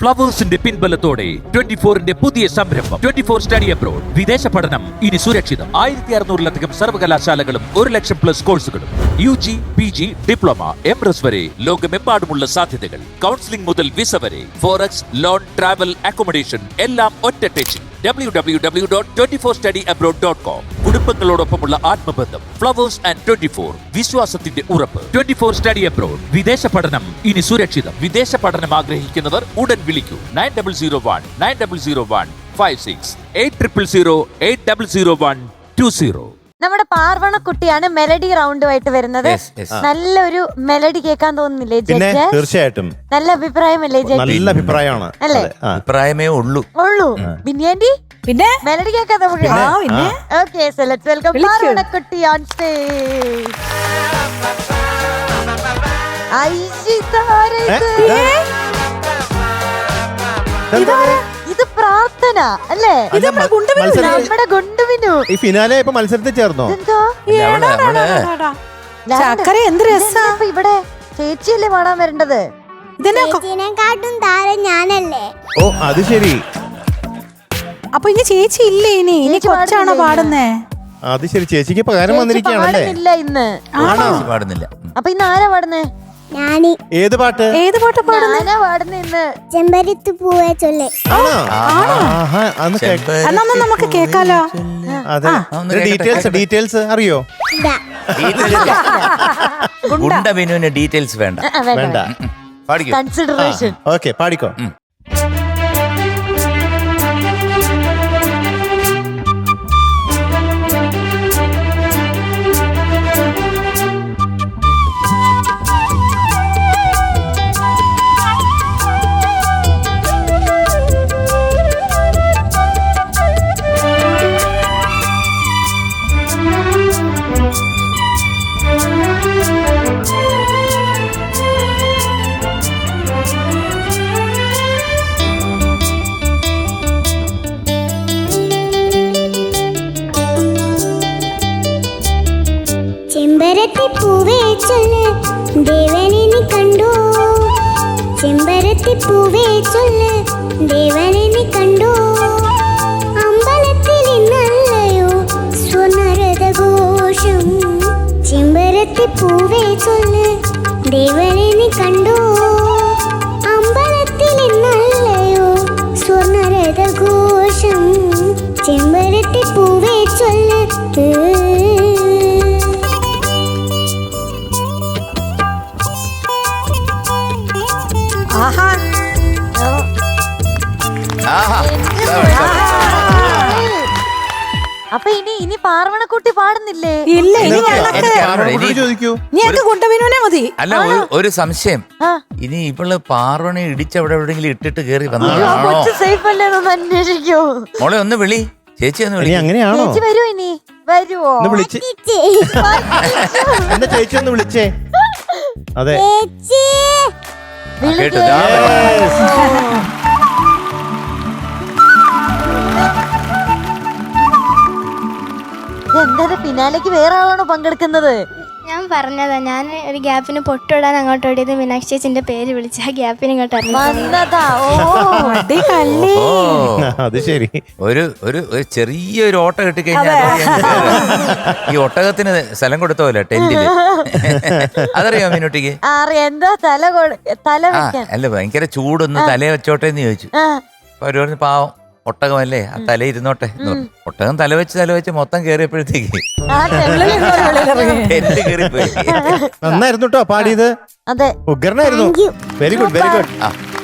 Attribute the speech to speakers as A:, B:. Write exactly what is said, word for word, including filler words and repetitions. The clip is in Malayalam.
A: ഫ്ലവേഴ്സിന്റെ പിൻബലത്തോടെ ട്വന്റി ഫോറിന്റെ പുതിയ സംരംഭം ട്വന്റി ഫോർ സ്റ്റഡി അബ്രോഡ്. വിദേശ പഠനം ഇനി സുരക്ഷിതം. ആയിരത്തി അറുന്നൂറിലധികം സർവകലാശാലകളും ഒരു ലക്ഷം പ്ലസ് കോഴ്സുകളും U G, P G, diploma, M S വരെ ലോകമെമ്പാടുമുള്ള സാധ്യതകൾ. കൗൺസിലിംഗ് മുതൽ വിസ വരെ, ഫോറക്സ്, ലോൺ, ട്രാവൽ, അക്കോമഡേഷൻ എല്ലാം ഒറ്റ ടെച്ചിൽ. W W W dot twenty four study abroad dot com. കുടുംബങ്ങളോടൊപ്പമുള്ള ആത്മബന്ധം. ഫ്ലവേഴ്സ് ആൻഡ് ട്വന്റി ഫോർ, വിശ്വാസത്തിന്റെ ഉറപ്പ്. Twenty four study abroad. വിദേശ പഠനം ഇനി സുരക്ഷിതം. വിദേശ പഠനം ആഗ്രഹിക്കുന്നവർ ഉടൻ വിളിക്കൂ. Nine double zero one nine double zero one five six eight triple zero eight double zero one two zero.
B: നമ്മുടെ പാർവണക്കുട്ടിയാണ് മെലഡി റൗണ്ടുമായിട്ട് വരുന്നത്. നല്ലൊരു മെലഡി കേൾക്കാൻ തോന്നുന്നില്ലേ
C: പിന്നെ
B: ജഡ്ജ്?
C: തീർച്ചയായിട്ടും
B: നല്ല അഭിപ്രായമല്ലേ ജഡ്ജ്?
C: നല്ല അഭിപ്രായമാണ്
B: അല്ലേ?
D: അഭിപ്രായമേ ഉള്ളൂ
B: ഉള്ളൂ. ബിന്യാൻഡി
E: പിന്നെ
B: മെലഡി കേൾക്കാൻ നമുക്ക്.
E: ആ, പിന്നെ?
B: ഓക്കേ, സോ ലെറ്റ്സ് വെൽക്കം
E: വിളിക്കൂ.
B: പാർവണക്കുട്ടി ഓൺ സ്റ്റേജ്. ഇത് പ്രാർത്ഥന അല്ലേ?
C: അല്ല, മ- മത്സരത്തിൽ-
B: നമ്മുടെ ഗുണ്ടുവിനു.
C: ഈ ഫിനാലെ ഇപ്പൊ മത്സരത്തിൽ ചേർന്നോ?
B: ഇതെന്തോ
D: അവള് അവള്
E: ചക്കര എന്ത് രസാ.
B: ഇതെന്താ ഇപ്പൊ ഇവിടെ ചേച്ചിയല്ലേ പാടാൻ വരേണ്ടത്?
E: ഇതന്നെ
F: ചേച്ചിനെക്കാട്ടും താരം ഞാനല്ലേ?
C: ഓ അത് ശരി,
E: അപ്പൊ ഇനി ചേച്ചി ഇല്ലേ? ഇനി ഇനി
B: ചേച്ചി
E: കൊച്ചാണോ
B: പാടുന്നില്ലേ
E: പാടുന്നേ?
C: അത് ശരി. ചേച്ചിക്ക് പകരം
B: ചേച്ചി
C: വന്നിരിക്കുകയാണല്ലേ?
B: പാടുന്നില്ല ഇന്ന്.
C: ആണോ?
D: പാടുന്നില്ല.
B: അപ്പൊ ഇന്ന് ആരാ പാടുന്നേ?
F: ഞാന്
C: ഏത് പാട്ട്?
E: ഏത് പാട്ട് പാടുന്നേ?
B: ഞാനാ പാടുന്നേ ഇന്ന്.
F: ചെമ്പരത്ത് പൂവേ ചൊല്ലേ.
C: ആണോ? ആഹാ, അന്ന് കേക്ക-
E: എന്നാ ഒന്ന് നമുക്ക് കേക്കാലോ.
C: അതെ.
D: ഒന്ന്
C: ഡീറ്റെയിൽസ് ഡീറ്റെയിൽസ് അറിയോ?
F: ഇതാ
D: ഗുണ്ട ബിനുവിന് ഡീറ്റെയിൽസ് വേണ്ട.
B: ആ, വേണ്ട,
C: വേണ്ട.
B: വേണ്ട.
D: പാടിക്കോ.
B: കൺസിഡറേഷൻ.
C: ഓക്കെ, പാടിക്കോ.
F: ചെമ്പരത്തി പൂവേ ചൊല്ല് ദേവനെ നീ കണ്ടോ. ചെമ്പരത്തി പൂവേ ചൊല്ല് ദേവനെ നീ കണ്ടോ. അമ്പലത്തിൽ ഇന്നല്ലയോ സ്വർണ്ണരഥഘോഷം. ചെമ്പരത്തി പൂവേ ചൊല്ല് ദേവനെ നീ കണ്ടോ. അമ്പലത്തിൽ ഇന്നല്ലയോ സ്വർണ്ണരഥഘോഷം. ചെമ്പരത്തി പൂവേ ചൊല്ല്.
E: ആഹാ
D: ആഹാ.
B: അപ്പൊ ഇനി ഇനി പാർവണക്കുട്ടി പാടുന്നില്ലേ?
E: ഇല്ല ഇനി
C: എനിക്ക്
E: ഞങ്ങൾക്ക്
C: എനിക്ക് ആരോടും ചോദിക്കൂ.
E: നീ ഞങ്ങൾക്ക് ഗുണ്ടവിനുവിനെ മതി.
D: അല്ല, ഒരു- ഒരു സംശയം.
B: ആ.
D: ഇനി ഇവള് പാർവണി ഇടിച്ച് അവിടെ എവിടെയെങ്കിലും ഇട്ടിട്ട് കേറി
B: അയ്യോ,
D: വന്നതാണോ?
B: കൊച്ചു സേഫ് അല്ലേന്നൊന്ന് അന്വേഷിക്കോ.
D: മോളെ ഒന്ന് വിളി, ചേച്ചി ഒന്ന്
C: ഇനി
D: വിളി.
C: അങ്ങനെയാണോ?
B: ചേച്ചി വരുമോ? ഇനി വരുവോ?
C: ഒന്ന് വിളിച്ച് എന്റെ ചേച്ചി ഒന്ന് വിളിച്ചേ. അതെ.
F: ചേച്ചി
D: കേട്ടു.
B: വിളിക്കേ.
C: Yes.
B: ഇതെന്താ പിന്നാലേക്ക് വേറെ ആളാണോ പങ്കെടുക്കുന്നത്?
G: ഞാൻ പറഞ്ഞതാ, ഞാൻ ഒരു ഗ്യാപ്പിന് പൊട്ടിടാൻ അങ്ങോട്ട് ഓടിയത് മീനാക്ഷി ചേച്ചിന്റെ പേര് വിളിച്ച് ആ ഗ്യാപ്പിന് ഇങ്ങോട്ട് ഇറങ്ങി.
B: വന്നതാ. ഓ
E: അടി കള്ളി.
D: ഓ,
C: അത് ശരി.
D: ഒരു ഒരു ഒരു ചെറിയൊരു ഓട്ട കിട്ടിക്കഴിഞ്ഞാൽ ഈ ഒട്ടകത്തിന് സ്ഥലം കൊടുത്ത പോലെ ടെന്റില്. അതറിയോ മീനുട്ടിക്ക്?
B: അറിയാം. എന്താ തല കൊ- തല
D: ആ
B: വെക്കാൻ?
D: അല്ല, ഭയങ്കര ചൂടൊന്ന് തല വെച്ചോട്ടെ എന്ന് ചോദിച്ചു.
B: ആ.
D: അപ്പൊ അവര് പറഞ്ഞു, പാവം ഒട്ടകമല്ലേ, ആ തല ഇരുന്നോട്ടെ എന്ന് പറഞ്ഞു. ഒട്ടകം തല വെച്ച് തല വെച്ച് മൊത്തം കേറിയപ്പോഴത്തേക്ക്
B: ആ ടെമ്പിളിൽ
D: ടെന്റ് കേറിപ്പോയി.
C: നന്നായിരുന്നു കേട്ടോ പാടിയത്.
B: അതെ.
C: ഉഗ്രനായിരുന്നു. Very good, very good.
D: ആ